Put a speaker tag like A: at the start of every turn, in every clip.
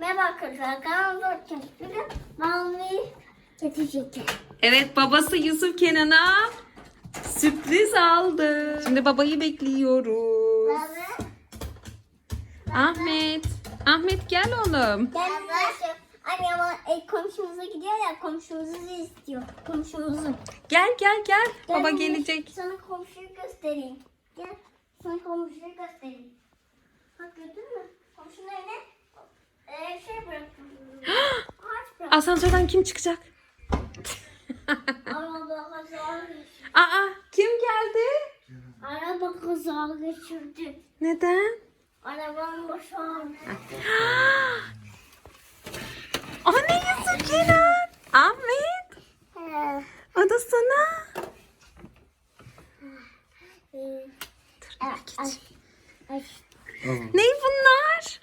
A: Merhaba arkadaşlar. Kanalımda bugün mavi getirecekler.
B: Evet, babası Yusuf Kenan'a sürpriz aldı. Şimdi babayı bekliyoruz.
A: Baba.
B: Ahmet. Ahmet gel oğlum.
A: Gel. Anne ama komşumuza gidiyor ya, komşumuzu istiyor. Komşumuzu.
B: Gel.
A: Gel
B: Baba
A: anne,
B: gelecek.
A: Sana komşuyu göstereyim. Gel. Sana komşuyu göstereyim. Bak gördün mü? Komşunun evine şey bıraktım. Ağaç bıraktım.
B: Asansörden kim çıkacak?
A: Araba kaza geçirdi.
B: Aa, kim geldi?
A: Araba kaza geçirdi.
B: Neden?
A: Arabanın başı ağrıyor.
B: Anne Yusuf Kenan. Ahmet. O da sana. Ne bunlar?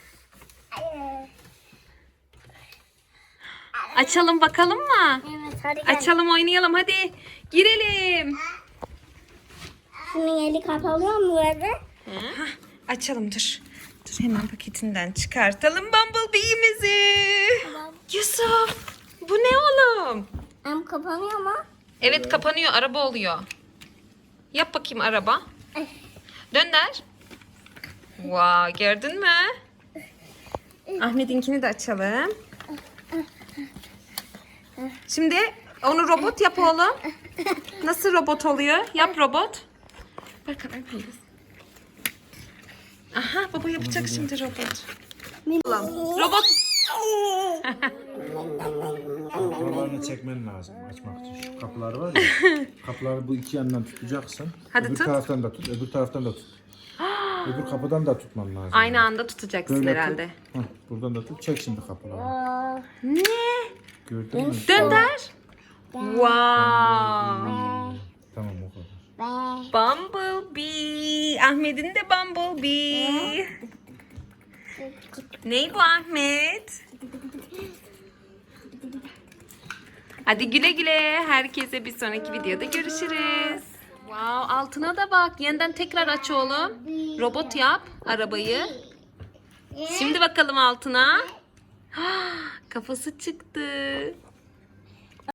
B: Açalım bakalım mı?
A: Evet hadi gel.
B: Açalım oynayalım hadi. Girelim.
A: Şunun eli kapalıyor mu böyle?
B: Hah, açalım dur. Dur hemen paketinden çıkartalım Bumblebee'imizi.
A: Tamam.
B: Yusuf bu ne oğlum?
A: Hem kapanıyor mu?
B: Evet kapanıyor, araba oluyor. Yap bakayım araba. Dönder. Wow, gördün mü? Ahmet'inkini de açalım. Şimdi onu robot yap oğlum. Nasıl robot oluyor? Yap robot. Bakalım. Aha, baba yapacak şimdi robot. Robot.
C: Kapılarını çekmen lazım açmak için. Şu kapılar var ya. Kapıları bu iki yandan tutacaksın.
B: Hadi
C: öbür
B: tut.
C: taraftan da tut, öbür taraftan da tut. Öbür kapıdan da tutman lazım.
B: Aynı anda tutacaksın
C: Böyle
B: herhalde.
C: Tut. Hah, buradan da tut. Çek şimdi kapıları.
B: Ne?
C: Gördün mü?
B: Dönder. Wow.
C: Tamam o kadar.
B: Bumblebee. Ahmet'in de Bumblebee. Ney bu Ahmet? Hadi güle güle. Herkese bir sonraki videoda görüşürüz. Wow, altına da bak. Yeniden tekrar aç oğlum. Robot yap arabayı. Şimdi bakalım altına. Kafası çıktı.